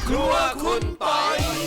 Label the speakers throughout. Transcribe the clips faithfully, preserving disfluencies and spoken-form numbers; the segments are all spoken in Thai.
Speaker 1: ครัวคุณปอย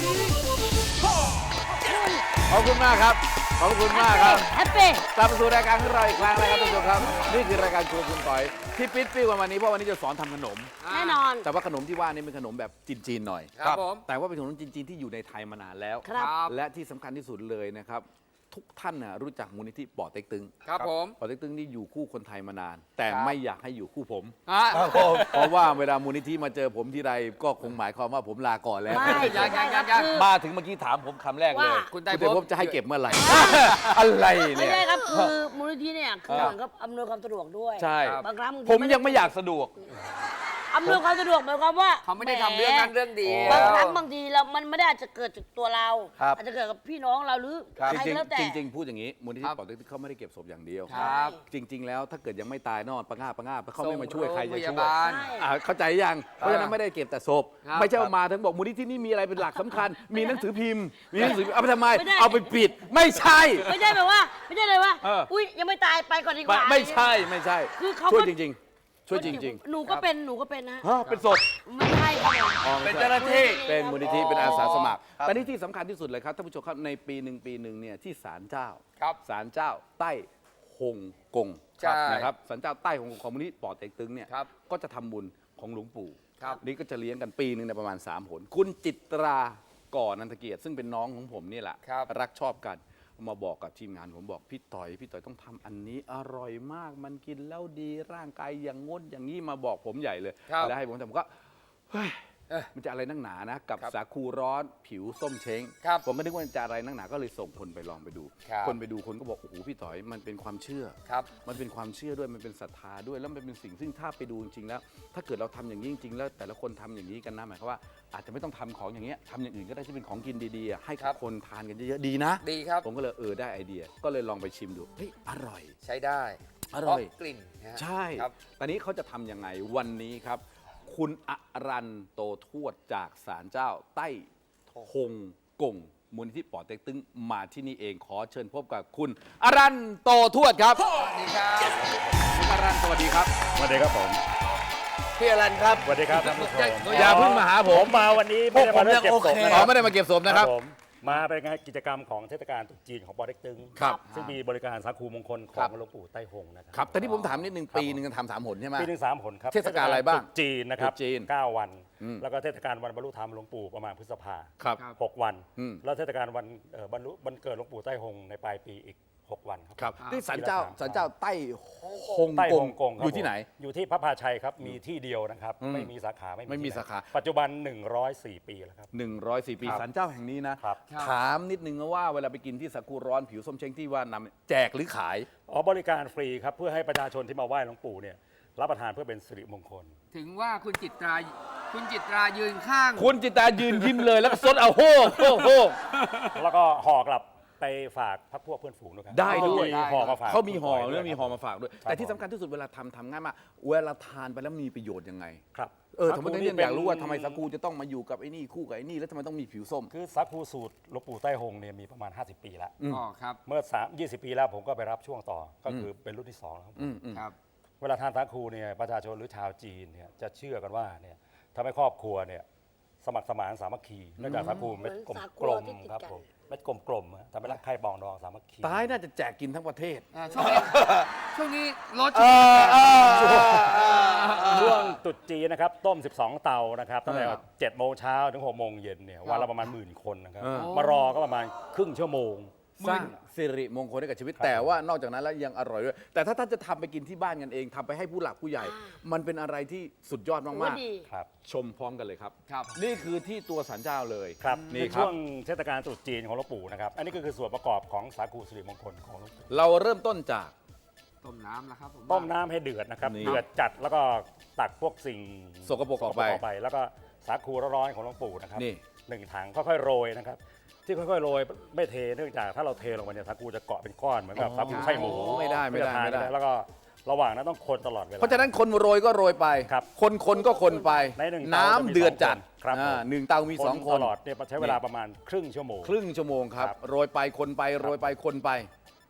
Speaker 2: ขอบคุณมากครับขอบคุณมากครับ
Speaker 3: แฮปปี้
Speaker 2: กลับมาสู่รายการของเราอีกครั้งนะครับท่านผู้ชมครับนี่คือรายการครัวคุณปอยที่ปิดปิ้วกันวันนี้เพราะวันนี้จะสอนทำขนม
Speaker 3: แน่นอน
Speaker 2: แต่ว่าขนมที่ว่านี่เป็นขนมแบบจีนๆหน่อย
Speaker 1: ครับผม
Speaker 2: แต่ว่าเป็นขนมจีนๆที่อยู่ในไทยมานานแล้ว
Speaker 3: ครับ
Speaker 2: และที่สำคัญที่สุดเลยนะครับทุกท่านน่ะรู้จักมูลนิธิป่อเต็กตึง
Speaker 1: ครับผม
Speaker 2: ป่อเต็กตึงนี่อยู่คู่คนไทยมานาน แต่ไม่อยากให้อยู่คู่ผม
Speaker 1: อ่ะ
Speaker 2: เพราะว่าเวลามูลนิธิมาเจอผมที่ไรก็คงหมายความว่าผมลาก่อนแล้ว
Speaker 3: ไม่
Speaker 1: ยังยังยัง
Speaker 3: ครับ
Speaker 2: มาถึงเมื่อกี้ถามผมคำแรกเลย
Speaker 3: ว่า
Speaker 1: คุณไตร
Speaker 2: คุณ
Speaker 1: ภพ
Speaker 2: ไตรภพจะให้เก็บเมื่อไหร่ อะไร
Speaker 3: ไม่
Speaker 2: เนี่ย
Speaker 3: ใช่ครับคือมูลนิธิเนี่ยคือ
Speaker 2: เออ
Speaker 3: เหมือนกับอำนวยความสะดวกด้วย
Speaker 2: ใช่
Speaker 3: บางครั้งบางที
Speaker 2: ผมยังไม่อยากสะดวก
Speaker 3: อำนวยความสะดวกหมายความว่า
Speaker 1: เขาไม่ได้ทำเรื่องนั้นเรื่องเดียว
Speaker 3: บางครั้งบางทีเรามันไม่ได้อาจจะเกิดจากตัวเรา
Speaker 2: ครับ
Speaker 3: อาจจะเกิดกับพี่น้องเราหรือ
Speaker 2: ครับ
Speaker 3: ใคร
Speaker 2: จริ
Speaker 3: ก็
Speaker 2: ง
Speaker 3: แล้วแต่
Speaker 2: ๆจริงๆพูดอย่างนี้มูลนิ
Speaker 1: ค
Speaker 2: ธิ
Speaker 1: รับ
Speaker 2: ป่อเต็กตึงเขาไม่ได้เก็บศพอย่างเดียว
Speaker 1: ครับ
Speaker 2: จริง ๆ แล้วถ้าเกิดยังไม่ตายนอนประงาบประงาบเขาไม่มาช่วยใครจะ
Speaker 1: ส่งโงพ
Speaker 2: ช่วย
Speaker 1: ยาบาล
Speaker 3: ใช่
Speaker 2: อ่าเข้าใจยังเพราะฉะนั้นไม่ได้เก็บแต่ศพ
Speaker 1: ครับ
Speaker 2: ไม่ใช่ว่ามาถึงบอกมูลนิธินี่มีอะไรเป็นหลักสำคัญ มีหนังสือพิมพ์ มีหนังสือเอาไปทำไม
Speaker 3: ไม่ได้
Speaker 2: เอาไปปิด ไม่ใช่
Speaker 3: ไม่ใช่แบบว่า ไม่ใช่เลยว่า
Speaker 2: เออ
Speaker 3: อุ้ยยังไม่ตายไปก่อนดีก
Speaker 2: ไม่
Speaker 3: ว่า
Speaker 2: ไม่ใช่ไม่ใช่
Speaker 3: คือเขา
Speaker 2: ช่วย
Speaker 3: ก็
Speaker 2: จริง ๆ ช่วยจริง
Speaker 3: หนูก็เป็นหนูก็เป็นนะ
Speaker 2: ๆฮะเป็นศพ
Speaker 3: ไม่ใช่ครับผม
Speaker 2: อ๋อ
Speaker 1: เป็
Speaker 2: ไม่
Speaker 1: น
Speaker 2: ใช่
Speaker 1: เจ้าหน้าที่
Speaker 2: เป็นมูลนิธิเป็นอาสาสมัครแต่นี่ที่สำคัญที่สุดเลยครับท่านผู้ชมครับในปีหนึ่งปีหนึ่งเนี่ยที่ศาลเจ้า
Speaker 1: ครับ
Speaker 2: ศาลเจ้าใต้ฮงกง
Speaker 1: ใช่
Speaker 2: นะครับศาลเจ้าใต้ฮงกงของมูลนิธิป่อเต็กตึงเนี่ย
Speaker 1: ครับ
Speaker 2: ก็จะทำบุญของหลวงปู่
Speaker 1: ครับ
Speaker 2: นี่ก็จะเลี้ยงกันปีหนึ่งในยประมาณสามหนคุณจิตราก่อนันทเกียรติซึ่งเป็นน้องของผมนี่แหละ
Speaker 1: ครับ
Speaker 2: รักชอบกันมาบอกกับทีมงานผมบอกพี่ต่อยพี่ต่อยต้องทำอันนี้อร่อยมากมันกินแล้วดีร่างกายอย่างงดอย่างนี้มาบอกผมใหญ่เลย
Speaker 1: ครับ
Speaker 2: แล้วให้ผมทำผมก็เฮ้ย
Speaker 1: เอ้ย
Speaker 2: มันจะอะไรนักหนานะ กับ
Speaker 1: ครับ
Speaker 2: สาคูร้อนผิวส้มเช้ง
Speaker 1: ครับ
Speaker 2: ผมก็นึกว่ามันจะอะไรนักหนาก็เลยส่งคนไปลองไปดู
Speaker 1: ครับ
Speaker 2: คนไปดูคนก็บอกโอ้โหพี่ต่อยมันเป็นความเชื่อ
Speaker 1: ครับ
Speaker 2: มันเป็นความเชื่อด้วยมันเป็นศรัทธาด้วยแล้วมันเป็นสิ่งซึ่งถ้าไปดูจริงๆแล้ว ถ้าเกิดเราทำอย่างนี้จริงๆแล้วแต่ละคนทำอย่างนี้กันนะหมายความว่าอาจจะไม่ต้องทำของอย่างเงี้ยทำอย่างอื่นก็ได้ที่เป็นของกินดีๆอ่ะให้
Speaker 1: ครั
Speaker 2: กับบ คนทานกันเยอะๆดีนะ
Speaker 1: ดีครับ
Speaker 2: ผมก็เลยเออได้ไอเดีย ก็เลยลองไปชิมดูเฮ้ยอร่อย
Speaker 1: ใช้ได้
Speaker 2: อร่อย
Speaker 1: เพาะกลิ่นนะฮะ
Speaker 2: ใช่
Speaker 1: ครับ
Speaker 2: ตอนนี้เขาจะทำยังไงวันนี้ครับ คุณอรันโตทวดจากศาลเจ้าใต้ฮงกงมูลนิธิป่อเต็กตึงมาที่นี่เองขอเชิญพบกับคุณอรันโตทวดครับ
Speaker 1: สวัสดีครับ
Speaker 2: คุณอรันสวัสดีครับ
Speaker 4: สวัสดีครับผม
Speaker 1: พี่อรันครับ
Speaker 4: สวัสดีครับท่านผู้ชม
Speaker 2: อย่าเพิ่งมาหาผม
Speaker 4: มาวันนี้ไม่ได้มาเรื่องเก็บศพนะ
Speaker 2: อ๋
Speaker 4: ค
Speaker 2: อ
Speaker 4: รับ
Speaker 2: ไม่ได้มาเก็บศพนะครับ
Speaker 4: ผมมาเป็นงานกิจกรรมของเทศกาลตรุษจีนของปอเต็กตึง
Speaker 2: ครับ
Speaker 4: ซึ่งมีบริการสาคูมงคลข
Speaker 2: ครั
Speaker 4: อบ งหลวงปู่ไต้หงนะครั
Speaker 2: ครับแต่ที่ผมถามนิดนึง
Speaker 4: ครับ
Speaker 2: ปีหนึ่งกันทำสามหนใช่ไหม
Speaker 4: ปีหนึ่งสามหนครับ
Speaker 2: เทศกาลอะไรบ้าง
Speaker 4: ตรุษจีนนะครับ
Speaker 2: ตรุษจีน
Speaker 4: เก้าวัน
Speaker 2: อืม
Speaker 4: แล้วก็เทศกาลวันบรรลุธรรมหลวงปู่ประมาณพฤษภา
Speaker 2: ครับ
Speaker 1: ครับ
Speaker 4: หกวัน
Speaker 2: อืม
Speaker 4: แล้วเทศกาลวันเอ่อบรรลุวันเกิดหลวงปู่ไต้หงในปลายปีอีกหกวันครับ
Speaker 2: ครับ
Speaker 1: ครับ
Speaker 2: ที่ศาลเจ้าศาลเจ้าใต้ฮง
Speaker 4: ใต้
Speaker 2: ก
Speaker 4: ฮ่
Speaker 2: ง
Speaker 4: องกงครับ
Speaker 2: อยู่ที่ไหน
Speaker 4: ผมอยู่ที่พระพาชัยครับมีที่เดียวนะครับ
Speaker 2: อืม
Speaker 4: ไม่มีสาขาไม่
Speaker 2: ไม่มี
Speaker 4: ที่หน
Speaker 2: สาขา
Speaker 4: ปัจจุบันหนึ่งร้อยสี่ปีแล้วครับ
Speaker 2: หนึ่งร้อยสี่ปี
Speaker 4: ครับ
Speaker 2: ศาลเจ้าแห่งนี้นะ
Speaker 4: ครับ
Speaker 2: ถามนิดนึงนะว่าเวลาไปกินที่สาคูร้อนผิวส้มเช้งที่ว่านำแจกหรือขาย
Speaker 4: อ๋อบริการฟรีครับเพื่อให้ประชาชนที่มาไหว้หลวงปู่เนี่ยรับประทานเพื่อเป็นสิริมงคล
Speaker 1: ถึงว่าคุณจิตรา คุณจิตรายืนข้าง
Speaker 2: คุณจิตตายืนยิ้มเลยแล้วก็ซดเอาโฮกโฮกโฮก
Speaker 4: แล้วก็ห่อกลับไปฝากพักพวกเพื่อนฝูงด้วยครับ
Speaker 2: ได้ด้วย
Speaker 4: มีห่อมาฝาก
Speaker 2: เขามีห่อ
Speaker 4: คุณปย
Speaker 2: แล้วมีห่อ
Speaker 4: ครับ
Speaker 2: มาฝากด้วย
Speaker 4: ครับ
Speaker 2: แต่ที่สำคัญที่สุดเวลาทำทำง่ายมากเวลาทานไปแล้วมีประโยชน์ยังไง
Speaker 4: ครับ
Speaker 2: เออทำไม
Speaker 4: สาคู
Speaker 2: ต้อง
Speaker 4: นี่
Speaker 2: อยากรู้ว่า
Speaker 4: เป็น
Speaker 2: ทำไมสาคูจะต้องมาอยู่กับไอ้นี่คู่กับไอ้นี่แล้วทำไมต้องมีผิวส้ม
Speaker 4: คือสาคูสูตรหลวงปู่ไต้หงเนี่ยมีประมาณ ห้าสิบ ปีแล้ว
Speaker 2: อืม
Speaker 1: อ๋อครับ
Speaker 4: เมื่อ3 20 ปีแล้วผมก็ไปรับช่วงต่อก็คือเป็นรุ่นที่สองแล้วครับ
Speaker 2: อืมอืม
Speaker 1: ครับ
Speaker 4: เวลาทานสาคูเนี่ยประชาชนหรือชาวจีนเนี่ยจะเชื่อกันว่าเนี่ยทำให้ครอบครัวเนี่ยสมัครสมานสามัคคีเนื่องจากสาคูเม็ดกลม
Speaker 3: เหมือนสาคู
Speaker 4: กลม
Speaker 3: ที่ติด
Speaker 4: ครับ
Speaker 3: กัน
Speaker 4: ผมเม็ดกลมๆอะทำให้รักใคร่ปองดองสามัคคี
Speaker 2: ตายน่าจะแจกกินทั้งประเทศ
Speaker 1: อ่าช่วงนี้ ช่วงนี้รถ
Speaker 2: เออเออเออเออ
Speaker 4: ช่วงตรุษจีนนะครับต้ม สิบสอง เตานะครับตั้งแต่
Speaker 2: ครับ
Speaker 4: เจ็ดโมงเช้าถึงหกโมงเย็นเนี่ยวันละประมาณหมื่นคนนะครับ
Speaker 2: เออ
Speaker 4: มารอก็ประมาณครึ่งชั่วโมง
Speaker 2: สร้างสิริมงคลให้กับชีวิต
Speaker 4: ครับ
Speaker 2: แต่ว่านอกจากนั้นแล้วยังอร่อยด้วย แต่ถ้าท่านจะทำไปกินที่บ้านกันเองทำไปให้ผู้หลักผู้ใหญ่ มันเป็นอะไรที่สุดยอด
Speaker 3: ถือ
Speaker 2: มา
Speaker 3: ว่าก ดี
Speaker 4: ครับ
Speaker 2: ๆ ชมพร้อมกันเลยครับ
Speaker 1: ครับ
Speaker 2: นี่คือที่ตัวสันเจ้าเลย
Speaker 4: ครับ
Speaker 2: นี่
Speaker 4: ใน
Speaker 2: ครั
Speaker 4: ช่
Speaker 2: บ
Speaker 4: วงเทศกาลตรุษจีนของหลวงปู่นะครับอันนี้ก็คือส่วนประกอบของสาคูสิริมงคลของหลวงปู่
Speaker 2: เราเริ่มต้นจาก
Speaker 1: ต้มน้ำแล้วครับผม
Speaker 4: ต้มน้ำให้เดือดนะครับ
Speaker 2: นี่
Speaker 4: เดือดจัดแล้วก็ตักพวกสิ่ง
Speaker 2: สกปรกออกไป
Speaker 4: ไป แล้วก็สาคูร้อนๆของหลวงปู่นะครับ
Speaker 2: นี่
Speaker 4: หนึ่งถังค่อยๆโรยนะครับที่ค่อยๆโรยไม่เทเนื่องจากถ้าเราเทลงไปเนี่ยสาคูจะเกาะเป็นก้อนเหมือนกับสาคูไส้หมู
Speaker 2: ไม่ได้ไม่ได้
Speaker 4: จะทาน
Speaker 2: ไม่ได้
Speaker 4: แล้วก็ระหว่างนั้นต้องคนตลอดเวลา
Speaker 2: เพราะฉะนั้นคนโรยก็โรยไป
Speaker 4: ครับ
Speaker 2: คนคนก็คนไป
Speaker 4: ในหนึ่ง
Speaker 2: น้ำ
Speaker 4: เตาจะมี
Speaker 2: เดือดจัด
Speaker 4: สองคนครับ
Speaker 2: อ่า
Speaker 4: ผม
Speaker 2: หนึ่งเตามีสองคน
Speaker 4: ตลอดเนี่ยใช้เวลาประมาณครึ่งชั่วโมง
Speaker 2: ครึ่งชั่วโมงครับ
Speaker 4: ครับ
Speaker 2: โรยไปคนไปโรยไปคนไป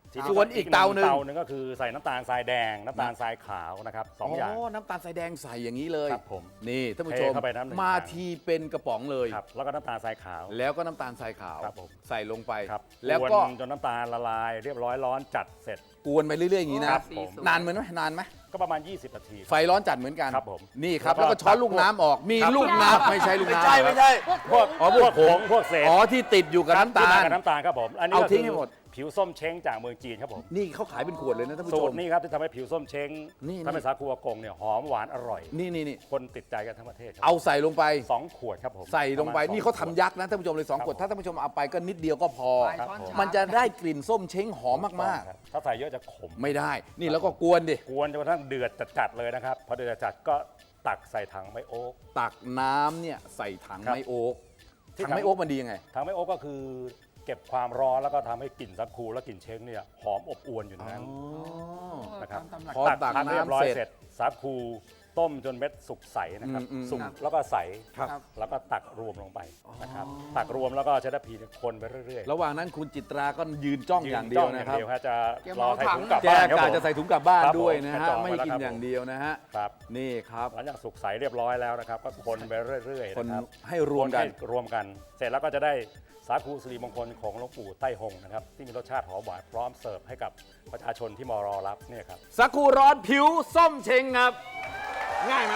Speaker 2: ส่วนอีกเตาหนึ่ง
Speaker 4: เตาหนึ่งก็คือใส่น้ำตาลทรายแดงน้ำตาลทรายขาวนะครับสองอย่าง
Speaker 2: น้ำตาลทรายแดงใส่อย่างนี้เลย
Speaker 4: ครับผม
Speaker 2: นี่ท่านผู้ชม
Speaker 4: เทเข้าไปน้ำหนึ่ง
Speaker 2: มา
Speaker 4: ถัง
Speaker 2: ทีเป็นกระป๋องเลย
Speaker 4: ครับแล้วก็น้ำตาลทรายขาว
Speaker 2: แล้วก็น้ำตาลทรายขาว
Speaker 4: ครับผม
Speaker 2: ใส่ลงไป
Speaker 4: ครับ
Speaker 2: แล้วก็
Speaker 4: วนจนน้ำตาลละลายเรียบร้อยร้อนจัดเสร็จ
Speaker 2: กวนไปเรื่อยๆอย่างนี้นะครับ
Speaker 4: ผม
Speaker 2: นานเหมือนไหมนานไหม
Speaker 4: ก็ประมาณ ยี่สิบ นาที
Speaker 2: ไฟร้อนจัดเหมือนกัน
Speaker 4: ครับผม
Speaker 2: นี่ครับ
Speaker 4: แล้
Speaker 2: แล้ว
Speaker 4: วก็
Speaker 2: ก็ช้อนลูกน้ำออก มี
Speaker 4: ครับ
Speaker 2: ลูกน้ำไม่ใช่ลูก
Speaker 5: ไม่
Speaker 2: น้ำ
Speaker 5: ใช่ไม่ใช่
Speaker 3: พวก
Speaker 2: อ๋อ
Speaker 3: ผ
Speaker 2: พว
Speaker 3: ง
Speaker 2: ก
Speaker 4: ผงพวกเศษ
Speaker 2: อ๋อที่ติดอยู่กับน้ำตา
Speaker 4: ที่
Speaker 2: ล
Speaker 4: มกับน้ำตาลครับผม อันนี้
Speaker 2: เอา
Speaker 4: ก็
Speaker 2: ทิ้
Speaker 4: คื
Speaker 2: งให้หมด
Speaker 4: ผิวส้มเช้งจากเมืองจีนครับผม
Speaker 2: นี่เขาขายเป็นขวดเลยนะท่านผู้
Speaker 4: สู
Speaker 2: ช
Speaker 4: ต
Speaker 2: ม
Speaker 4: รนี้ครับที่ทำให้ผิวส้มเช้ง
Speaker 2: นี่
Speaker 4: ทำให้สาคูอากงเนี่ยหอมหวานอร่อย
Speaker 2: นี่นี่นี่
Speaker 4: คนติดใจกันทั้งประเทศครับ
Speaker 2: เอาใส่ลงไป
Speaker 4: สองขวดครับผม
Speaker 2: ใส่ลงไป
Speaker 4: ประมณ
Speaker 2: นี่เขา
Speaker 4: ส
Speaker 2: ทำ
Speaker 4: อง
Speaker 2: ยักษ์นะท่านผู้ชมเลยสอง
Speaker 4: ครับ
Speaker 2: ขวด
Speaker 4: ผม
Speaker 2: ถ้าท่านผู้ชมเอาไปก็นิดเดียวก็พอ
Speaker 1: ปลายช้อนชา
Speaker 2: มันจะได้กลิ่นส้มเช้งหอมมาก
Speaker 4: ครับถ้าใส่เยอะจะขม
Speaker 2: ๆ ไม่ได้ นี่แล้วก็กวนดิ
Speaker 4: กวนจนกระทั่งเดือดจัดๆเลยนะครับพอเดือดจัดๆก็ตักใส่ถังไมโอ๊ก
Speaker 2: ตักน้ำเนี่ยใส่ถัง
Speaker 4: ครับ
Speaker 2: ไม้โอ๊ก
Speaker 4: ที่
Speaker 2: ถัง
Speaker 4: ถัง
Speaker 2: ไม้โอ๊กมันดียังไง
Speaker 4: ถังไมโอ๊กก็คือเก็บความร้อนแล้วก็ทำให้กลิ่นสาคูและกลิ่นเช้งเนี่ยหอมอบอวนอยู่ในนั้นนะครับ
Speaker 1: ตามตำหลัก
Speaker 2: พอตัก
Speaker 4: พักเรียบร้อย
Speaker 2: น้ำเสร็จ
Speaker 4: เสร็จสาคูต้มจนเม็ดสุกใสนะครับ
Speaker 2: อืมอืม
Speaker 4: สุก
Speaker 1: ครับ
Speaker 4: แล้วก็ใส
Speaker 2: ครับ
Speaker 4: แล้วก็ตักรวมลงไปนะครับตักรวมแล้วก็ใช้ตะพีเนี่ยคนไปเรื่อยๆ
Speaker 2: ระหว่างนั้นคุณจิตราก็ยืนจ้องอย่างเดียวนะครับ
Speaker 4: ยืจ้องอย่างเดียวฮะจะ
Speaker 1: แก
Speaker 4: ร
Speaker 1: เมา
Speaker 4: อใส่
Speaker 1: ถัง
Speaker 4: ถุงกลับ
Speaker 2: แก
Speaker 4: บ้านครับ
Speaker 2: กา
Speaker 4: ผม
Speaker 2: จะใส่ถุงกลับบ้าน
Speaker 4: ครับ
Speaker 2: ด้วยนะ
Speaker 4: ผม
Speaker 2: ฮะ
Speaker 4: จองไว้
Speaker 2: ไม่
Speaker 4: แล้ว
Speaker 2: กิน
Speaker 4: ครับ
Speaker 2: อย่างเดียวนะฮะ
Speaker 4: ครับ
Speaker 2: นี่ครับ
Speaker 4: หลังจากสุกใสเรียบร้อยแล้วนะครับ ก็คนไปเรื่อยๆ
Speaker 2: คน
Speaker 4: นะครับ
Speaker 2: ให้รวมกัน
Speaker 4: คให้รวมกัน เสร็จแล้วก็จะได้สาคูสิริมงคลของหลวงปู่ไต้หงนะครับที่มีรสชาติหอมหวานพร้อมเสิร์ฟให้กับประชาชนที่มารอรับเนี่ยครับ
Speaker 2: สาคูร้อนผิวส้มเชงครับ ง่ายไหม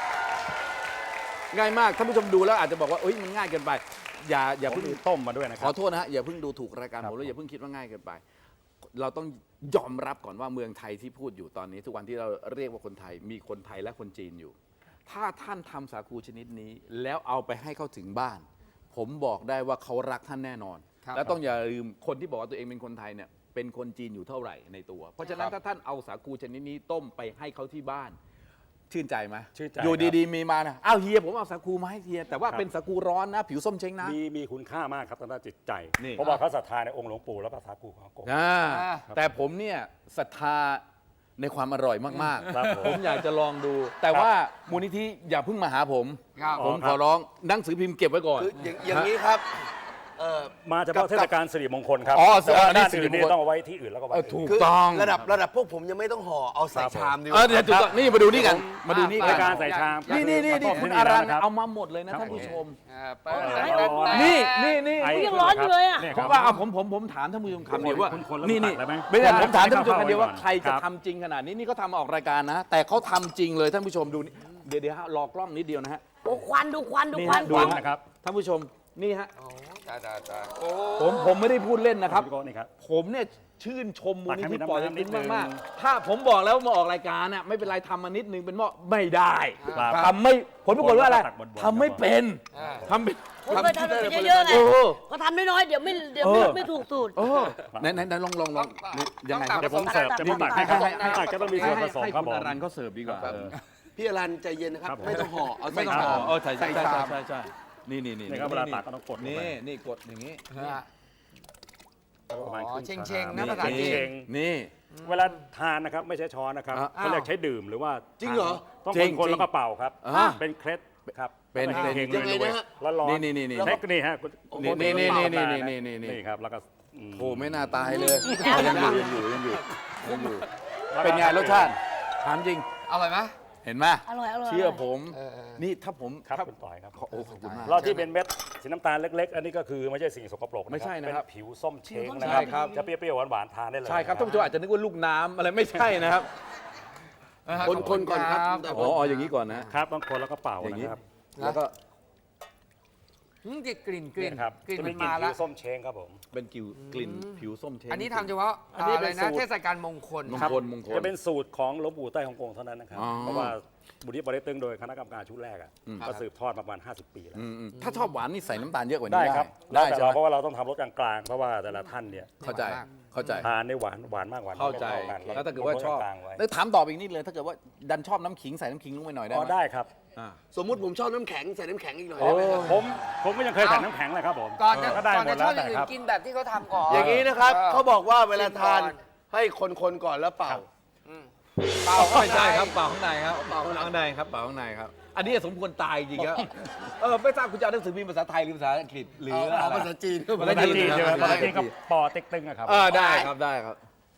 Speaker 2: ง่ายมากท่านผู้ชมดูแล้วอาจจะบอกว่าเอ้ยมันง่ายเกินไป อย่าอย่า
Speaker 4: ผม
Speaker 2: เพิ่ง
Speaker 4: มีต้มมาด้วยนะค
Speaker 2: ข
Speaker 4: รั
Speaker 2: อบ โทษนะฮะอย่าเพิ่งดูถูกรายการ
Speaker 4: ครั
Speaker 2: ผ
Speaker 4: บ
Speaker 2: มแล้วอย่าเพิ่งคิดว่าง่ายเกินไป เราต้องยอมรับก่อนว่าเมืองไทยที่พูดอยู่ตอนนี้ ทุกวันที่เราเรียกว่าคนไทยมีคนไทยและคนจีนอยู่ ถ้าท่านทำสาคูชนิดนี้ แล้วเอาไปให้เขาถึงบ้าน ผมบอกได้ว่าเขารักท่านแน่นอน
Speaker 1: ครับ
Speaker 2: และต้องอย่าลืมคนที่บอกว่าตัวเองเป็นคนไทยเนี่ยเป็นคนจีนอยู่เท่าไหร่ในตัว เพราะฉะนั้นถ้าท่านเอาสาคูชนิดนี้ต้มไปให้เขาที่บ้าน ชื่นใจไหม
Speaker 4: ชื่นใจ
Speaker 2: อยู่
Speaker 4: ครับ
Speaker 2: ดีๆมีมานะอ้าวเฮียผมเอาสาคูมาให้เฮียแต่ว่า
Speaker 4: ครับ
Speaker 2: เป็นสาคูร้อนนะ ผิวส้มเช้งนะ
Speaker 4: มีมีคุณค่ามากครับทางด้านจิตใจ
Speaker 2: นี่
Speaker 4: เพราะว่าเขาศรัทธาในองค์หลวงปู่แล้วก็สาคูของอากง
Speaker 2: อ่า
Speaker 1: อ่า
Speaker 2: แต่ผมเนี่ยศรัทธาในความอร่อยมาก
Speaker 4: ครับผม
Speaker 2: ๆ ผมอยากจะลองดู แต่ว่ามูลนิธิอย่าเพิ่งมาหาผม
Speaker 1: ครับ
Speaker 2: ผม
Speaker 4: อ๋อค
Speaker 2: ข
Speaker 4: รับ
Speaker 2: อร้องหนังสือพิมพ์เก็บไว้ก่อน
Speaker 5: คืออย่างอย่างนี้ครับเอ่อ
Speaker 4: มาเฉพาะเทศกาลสิริมงคลครับ
Speaker 2: อ๋อ
Speaker 4: แต่ว่า
Speaker 2: อันนี้
Speaker 4: ด้าน
Speaker 2: สิริ
Speaker 4: อื่น
Speaker 2: มง
Speaker 4: นี่
Speaker 2: คล
Speaker 4: ต้องเอาไว้ที่อื่นแล้วก็ไว้
Speaker 2: เออ
Speaker 4: ที่
Speaker 2: ถู
Speaker 4: อื่น
Speaker 2: ก
Speaker 5: คือ
Speaker 2: ต้อง
Speaker 5: ระดับระดับพวกผมยังไม่ต้องห่อเอาใส่
Speaker 4: ครับผม
Speaker 5: ชามดีก
Speaker 2: เออ
Speaker 5: ว่า
Speaker 2: เดี๋ยวถูกต้องนี่มาดูนี่กัน มาดูนี่
Speaker 4: รา
Speaker 2: กั
Speaker 4: ย
Speaker 2: น
Speaker 4: การใส่ชาม
Speaker 2: นี่นี่นี่นี่
Speaker 4: ต้ม
Speaker 2: คุณ
Speaker 4: ที่
Speaker 2: อารัน
Speaker 4: แล้วะคบ
Speaker 2: เอามาหมดเลยนะครับ ท่านผู้ชม
Speaker 1: อ่าเปิด
Speaker 4: เออ
Speaker 1: เปิด
Speaker 4: เอา
Speaker 1: เปิด
Speaker 4: เอา
Speaker 2: นี่นี่นี่
Speaker 4: ไอ้
Speaker 3: ยังร้อนอยู่เลยอะ
Speaker 4: นี่
Speaker 2: ผ
Speaker 4: ครั
Speaker 2: ม
Speaker 4: บ
Speaker 2: ว่าเอาผมผมผมถามท่านผู้ชมคำเดียวว่า
Speaker 4: คุณคนแล้ว
Speaker 2: นี่นี่
Speaker 4: ตัดเลยไหม
Speaker 2: ไม่ใช่ผมถามท่านผู้ชม
Speaker 4: ให้
Speaker 2: คำเดียวว่า
Speaker 4: เข้าไว้ก่อน
Speaker 2: ใครจะ
Speaker 4: ครับ
Speaker 2: ทำจริงขนาดนี้นี่เขาทำมาออกรายการนะ แต่เขาทำจริงเลยท่านผู้ชมดูนี่เดี๋ยวเดี๋ยวฮะรอกล้องนิดเดียวนะฮะ
Speaker 3: โอ้ควันดูควันดู
Speaker 2: นี่
Speaker 3: ควั
Speaker 2: ฮะ
Speaker 3: น
Speaker 2: ดู
Speaker 3: กล้อง
Speaker 2: นะครับท่านผู้ชมนี่ฮะ
Speaker 1: โอ้ตายตายตายโอ้
Speaker 2: ผมผมไม่ได้พูดเล่นนะครับ
Speaker 4: พี่โก้นี่ครับ
Speaker 2: ผมเนี่ยชื่นชมมูลนิธิปอเต็กตึง
Speaker 4: ตักให้มีน้ำนิดนึง
Speaker 2: มากๆถ้าผมบอกแล้วว่ามาออกรายการน่ะไม่เป็นไรทำมานิดนึงเป็นหม้อไม่ได้
Speaker 4: ครับ
Speaker 2: ทำไม่ผลปรากฏว่าอะไร
Speaker 4: ตักบนๆ
Speaker 2: ทำไม่เป็น
Speaker 1: อ่า
Speaker 2: ทำเป็น
Speaker 3: ผมเคยทำไปเยอะๆไง
Speaker 2: เออ
Speaker 3: ก็ทำน้อยๆเดี๋ยวไม่เดี๋ยวไม่
Speaker 2: เออ
Speaker 3: ไม่ถูกสูตร
Speaker 2: เออไหนไหนไหนลองลองลองนี่ยังไงครับ
Speaker 4: เดี๋ยวผมเสิร์ฟจะไม่ตักให้
Speaker 2: ให้
Speaker 4: ครับ
Speaker 2: ให้
Speaker 4: ตักจะต้องมีส่วนผสม
Speaker 2: ให้
Speaker 4: ครับ
Speaker 2: คุณ
Speaker 4: ผม
Speaker 2: อรันเขาเสิร์ฟดีกว่าเออ
Speaker 5: พี่อรันใจเย็นนะครับ
Speaker 4: ครับผม
Speaker 5: ไม่ต้องห่อเอา
Speaker 2: ไม่
Speaker 5: ใส่
Speaker 2: ต้อง
Speaker 5: ชา
Speaker 2: ห่อ
Speaker 5: ม
Speaker 2: เออใช่
Speaker 5: ใส่
Speaker 2: ใช่
Speaker 5: ชา
Speaker 2: ใช่
Speaker 5: ม
Speaker 2: ใช่ใช่นี่นี่นี่
Speaker 4: นี่ครับเวลาตักก็ต้องกดลงไป
Speaker 2: นี่นี่กดอย่างนี้
Speaker 1: อ่า
Speaker 4: ประมาณ
Speaker 1: อ๋อ
Speaker 4: ครึ่
Speaker 1: เชง
Speaker 4: ชาม
Speaker 1: เชงนะภาษาจีน
Speaker 4: เชง
Speaker 2: นี่
Speaker 4: เวลาทานนะครับไม่ใช่ช้อนนะครับ
Speaker 2: อ่ะ
Speaker 4: เขาเรียกใช้ดื่มหรือว่า
Speaker 5: จริงเหรอ
Speaker 4: ต้อง
Speaker 2: จริง
Speaker 4: คน
Speaker 2: จริง
Speaker 4: ๆแล้วก็เป่าครับ
Speaker 2: อ่ะ
Speaker 4: เป็นเคล็ดครับ
Speaker 2: เป็น
Speaker 4: แล้วก็
Speaker 2: เป็น
Speaker 4: เฮงๆ
Speaker 5: ยังไง
Speaker 4: รวย
Speaker 5: นะฮะ
Speaker 4: ๆแล้วร้อน
Speaker 2: นี่นี่นี่นี่
Speaker 4: เทคนิคฮะ
Speaker 2: นี่นี่นี่นี่นี่นี่นี่นี่
Speaker 4: นี่ครับแล้วก็อืม
Speaker 2: โอ้ไม่น่าตายเลยยังอยู่ยังอยู่ยังอยู่ยังอยู่
Speaker 4: แล้วก็
Speaker 2: เป็นไงรสชาติถามจริง
Speaker 1: อร่อยไหม
Speaker 2: เห็นไหม
Speaker 3: อร่อยอร่อย
Speaker 2: เชื่อผม
Speaker 1: เออเออ
Speaker 2: นี่ถ้าผม
Speaker 4: ครับ
Speaker 2: ถ้า
Speaker 4: คุณต่อยครับ
Speaker 2: ขอโอ้ขอบคุณมาก
Speaker 4: เราที่เป็นเม็ดสีน้ำตาลเล็ก ๆ อันนี้ก็คือไม่ใช่สิ่งสกปรก
Speaker 2: ไม่ใช่นะครับ
Speaker 4: เป็นผิวส้มเช้งนะ
Speaker 2: ใช่
Speaker 4: ค
Speaker 2: ครั
Speaker 4: รับ จะเปรี้ยวๆหวานๆทานได้เลย
Speaker 2: ใช่ครับท่านผู้ชมอาจจะนึกว่าลูกน้ำอะไรไม่ใช่นะครับ
Speaker 5: คนคนก่อนครับ
Speaker 2: อ๋ออ๋ออย่างนี้ก่อนนะ
Speaker 4: ครับบางคนแล้วก็เป่า
Speaker 2: อย่างนี้
Speaker 4: นะครับ
Speaker 2: แล้วก็
Speaker 1: อืมจะกลิ่นกลิ่น
Speaker 4: นี่ครับ
Speaker 1: กลิ่น
Speaker 4: จะ
Speaker 1: มั
Speaker 4: มี
Speaker 1: น
Speaker 4: กลิ่น
Speaker 1: มา
Speaker 4: ผิ
Speaker 1: แล้ว
Speaker 4: วส้มเช้งครับผม
Speaker 2: เป็นกลิ่นกลิ่นผิวส้มเชง
Speaker 1: อันนี้ทำเฉพาะ
Speaker 4: อันนี้
Speaker 1: อะไร
Speaker 4: เป็น
Speaker 1: นะ
Speaker 4: สูตร
Speaker 1: เทศกาลมงคล
Speaker 2: มง
Speaker 4: ครับ
Speaker 2: คลมงคล
Speaker 4: จะเป็นสูตรของหลวงปู่ใต้ฮ่องกงเท่านั้นนะครับ
Speaker 2: อ๋อ
Speaker 4: เพราะว่าบุรีปอเต็กตึงโดยคณะกรรมการชุดแรกอ่ะ
Speaker 2: อืม
Speaker 4: ก็สืบทอดมาประมาณห้าสิบปีแล้ว
Speaker 2: อืมอืมถ้าชอบหวานนี่ใส่น้ำตาลเยอะกว่านี้
Speaker 4: ได้
Speaker 2: ได้
Speaker 4: ครับ
Speaker 2: ได้
Speaker 4: แล้วแต่
Speaker 2: ใช่
Speaker 4: เรา
Speaker 2: ไหม
Speaker 4: เพราะว่าเราต้องทำรสกลางๆเพราะว่าแต่ละท่านเนี่ย
Speaker 2: เข้าใจเข้าใจ
Speaker 4: ทานได้หวานหวานมากหวานน้
Speaker 2: เข้า
Speaker 4: อย
Speaker 2: ใจ
Speaker 4: ไม่ท่กัน
Speaker 2: แล้วถ้าเกิดว่าชอบ
Speaker 4: ลงไว้
Speaker 2: แล้วถามต่อไปอีกนิดเลยถ้าเกิดว่าดันชอบน้ำขิงใส่น้ำขิงลงไปหน่อยได้
Speaker 4: อ๋
Speaker 2: ไห
Speaker 4: อ
Speaker 2: ม
Speaker 4: ได้ครับ
Speaker 2: อ่า
Speaker 5: สมมุติผมชอบน้ำแข็งใส่น้ำแข็งอีกหน่อย
Speaker 2: โอ้
Speaker 5: ได้ไหมครับ
Speaker 4: ผมผมก็ยังเคยใส่น้ำแข็งเลยครับผม
Speaker 1: ก่อนจะ
Speaker 4: ก็ได้
Speaker 1: ก่อน
Speaker 4: หม
Speaker 1: จะ
Speaker 4: ด
Speaker 1: ช
Speaker 4: แล้
Speaker 1: อ
Speaker 4: ว
Speaker 1: บอ
Speaker 4: แต่
Speaker 1: ย่างอื่
Speaker 4: ครับ
Speaker 1: นกินแบบที่เขาทำก่อน
Speaker 5: อย่างนี้นะครับ
Speaker 1: เออ
Speaker 5: เขาบอกว่าเวลาทาน
Speaker 1: ชิมก่อน
Speaker 5: ให้คนๆก่อนแล้วเป่า
Speaker 1: อืม
Speaker 2: เปล่าไม่ใช่ครับเปล่าข้างในครับเปล่าข้างในครับเปล่าข้างในครับ อันนี้สมควรตายจริงครับเออไม่ทราบคุณจะเอาหนังสือพิมพ์ภาษาไทยหรือภาษาอังกฤษหรือ
Speaker 5: เอา
Speaker 2: อะไร
Speaker 5: ภาษาจีน
Speaker 2: ภา
Speaker 4: ภา
Speaker 2: ษา
Speaker 4: ษา
Speaker 2: จีน
Speaker 4: จีนใช่ไหม
Speaker 2: ภา
Speaker 4: ภา
Speaker 2: ษา
Speaker 4: ษา
Speaker 2: จี
Speaker 4: จี
Speaker 2: น
Speaker 4: นก็ปอเต็กตึงอะครับ
Speaker 2: เออได้ครับได้ครับ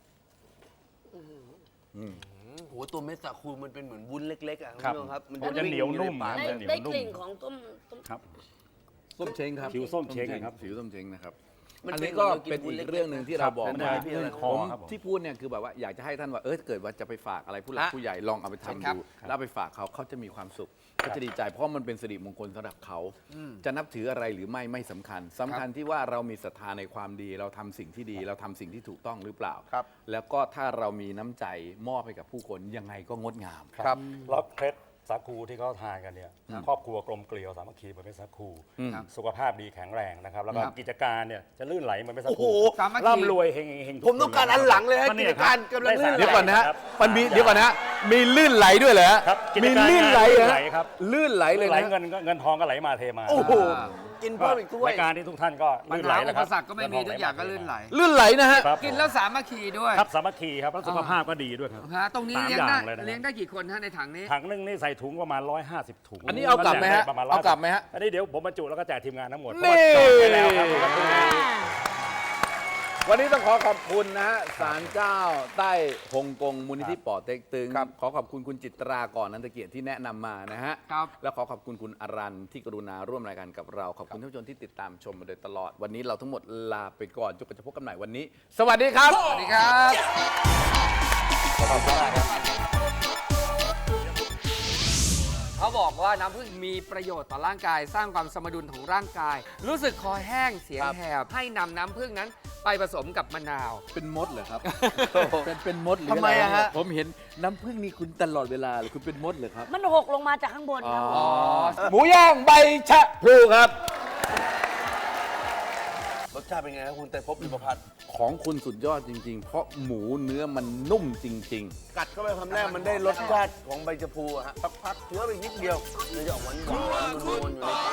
Speaker 2: อืม
Speaker 5: โอ้โหตัวเม็ดสาคูมันเป็นเหมือนวุ้นเล็กๆอ่ะคุณ
Speaker 4: ครับ
Speaker 5: ผู้ชมครับ
Speaker 4: มันจะเหนียวนุ่ม
Speaker 5: ปาก
Speaker 3: ได้
Speaker 4: มันจะเหนียว
Speaker 3: ได้
Speaker 4: นุ่ม
Speaker 3: กลิ่นของต้มต้ม
Speaker 4: ครับ
Speaker 2: ส้มเช้งครับ
Speaker 4: ผิวส้มเช้งครับ
Speaker 2: ผิวส้มเช้งนะครับ
Speaker 5: มัน
Speaker 2: อัน
Speaker 5: เป็
Speaker 2: นี้
Speaker 5: น
Speaker 2: ก็
Speaker 5: หมื
Speaker 2: เป็น
Speaker 5: วุ้
Speaker 2: อี
Speaker 5: ล็
Speaker 2: กเรื่องหนึ่งที่เราบอก
Speaker 4: เป็น
Speaker 2: มา
Speaker 4: อะไรที่คอ
Speaker 2: ผม
Speaker 4: ครับผม
Speaker 2: ที่พูดเนี่ยคือแบบว่าอยากจะให้ท่านว่าเออเกิดว่าจะไปฝากอะไรผู้หลัก
Speaker 1: ฮะ
Speaker 2: ผู้ใหญ่ลองเอาไปทำ
Speaker 1: ครั
Speaker 2: ดู
Speaker 1: บ
Speaker 2: แล้วเอาไปฝากเขาเขาจะมีความสุขเขาจะดีใจเพราะมันเป็นสิริมงคลสำหรับเขาจะนับถืออะไรหรือไม่ไม่สำคัญสำคัญที่ว่าเรามีศรัทธาในความดี เราทำสิ่งที่ดี เราทำสิ่งที่ถูกต้องหรือเปล่า
Speaker 5: ครับ
Speaker 2: แล้วก็ถ้าเรามีน้ำใจมอบให้กับผู้คนยังไงก็งดงาม
Speaker 5: ครับ
Speaker 4: แล้วเคล็ดสาคูที่เขาทานกันเนี่ยครอบครัวกลมเกลียวสามัคคีเหมือนเป็นสาคู
Speaker 2: อืม
Speaker 4: สุขภาพดีแข็งแรงนะครับแล้วก็
Speaker 1: ครับ
Speaker 4: กิจการเนี่ยจะลื่นไหลเหมือนเป็นสา
Speaker 5: โอ้โห
Speaker 4: คู
Speaker 1: สามัคคี
Speaker 4: ร่ำรวยเฮงเฮงทุ
Speaker 5: ผมต้องการอันหลังเลยฮะ
Speaker 4: ก็
Speaker 5: กิ
Speaker 4: เนี่
Speaker 5: จ
Speaker 4: ยค
Speaker 5: การ
Speaker 4: บ
Speaker 5: กำลังลื่นไหล
Speaker 2: เดี๋ยวก่อนนะฮะ
Speaker 4: ครับ
Speaker 2: มันมีเดี๋ยวก่อนนะฮะมีลื่นไหลด้วยเหรอฮะ
Speaker 4: ครับกิจ
Speaker 2: มี
Speaker 4: การ
Speaker 2: ลื่นไหลเหรอ
Speaker 4: ลื่นไหล
Speaker 2: ฮะ
Speaker 4: ครับ
Speaker 2: ลื่นไหลเลย
Speaker 4: ไหล
Speaker 2: นะ
Speaker 4: เงินก็เงินทองก็ไหลมาเทมา
Speaker 5: โอ้โห
Speaker 1: อ่า
Speaker 5: กินเพิ่มอีกถ้วย
Speaker 4: รายการที่ทุกท่านก็
Speaker 1: ปัญ
Speaker 4: ลื่นไหล
Speaker 1: หา
Speaker 4: แล้
Speaker 1: อุ
Speaker 4: วค
Speaker 1: ป
Speaker 4: รับ
Speaker 1: สรรคก็ไม่มีทุกอย่างก็ลื่นไหล
Speaker 2: ลื่นไหลนะฮะ
Speaker 4: ครับ
Speaker 1: กินแล้วสามัคคีด้วย
Speaker 4: ครับสามัคคีครับแล้วสุขภาพก็ดีด้วยครับ
Speaker 1: ฮะตรงนี้
Speaker 4: สาม
Speaker 1: เลี้ยง
Speaker 4: อ
Speaker 1: ได้
Speaker 4: ย่างเลยนะครับ
Speaker 1: เลี้ยงได้กี่คนฮะในถังนี้
Speaker 4: ถังหนึงนี่ใส่ถุงประมาณร้อยห้าสิบถุง
Speaker 2: อันนี้เอากลับไหมฮะ
Speaker 4: ประมาณ
Speaker 2: เอากลับไหมฮะ
Speaker 4: อันนี้เดี๋ยวผมบรรจุแล้วก็แจกทีมงานทั้งหมด
Speaker 2: นี่
Speaker 4: เพราะว่าจองไปแล้วครับวันนี้
Speaker 2: วันนี้ต้องขอขอบคุณนะฮะศาลเจ้าใต้ฮ่องกงมูลนิธิป่อเต็กตึง
Speaker 5: ครับ
Speaker 2: ขอขอบคุณคุณจิตราก่อนนันตเกียรติที่แนะนำมานะฮะ
Speaker 1: ครับ
Speaker 2: แล้วขอขอบคุณคุณอรันที่กรุณาร่วมรายการกับเรา ขอบคุณท่านผู้ชมที่ติดตามชมมาโดยตลอด วันนี้เราทั้งหมดลาไปก่อนจนกว่าจะพบกันใหม่วันนี้ สวัสดีครับ
Speaker 1: สวัสดีครับ เขาบอกว่าน้ำผึ้งมีประโยชน์ต่อร่างกาย สร้างความสมดุลของร่างกาย รู้สึกคอแห้งเสียง
Speaker 5: ครับ
Speaker 1: แหบให้นำน้ำผึ้งนั้นไปผสมกับมะนาว
Speaker 2: เป็นมดเหรอครับ เป็นเป็นมดหรือ
Speaker 5: ทำไมอะฮะ
Speaker 2: ผมเห็นน้ำผึ้งนี่คุณตลอดเวลาเลยคุณเป็นมดเหรอครับ
Speaker 3: มันหกลงมาจากข้างบนครับ
Speaker 2: อ๋อหมูย่างใบชะพลูครับ
Speaker 5: รสชาติเป็นไงครับคุณแต่พบอิมพัฒน์
Speaker 2: ของคุณสุดยอดจริง ๆ เพราะหมูเนื้อมันนุ่มจริง ๆ
Speaker 5: กัดเข้าไปคำแรกมันได้รสชาติของใบชะพูอะฮะสักพักเคี้ยวไปนิดเดียวมันจะออกหวานหวานๆนวลๆอยู่ในปาก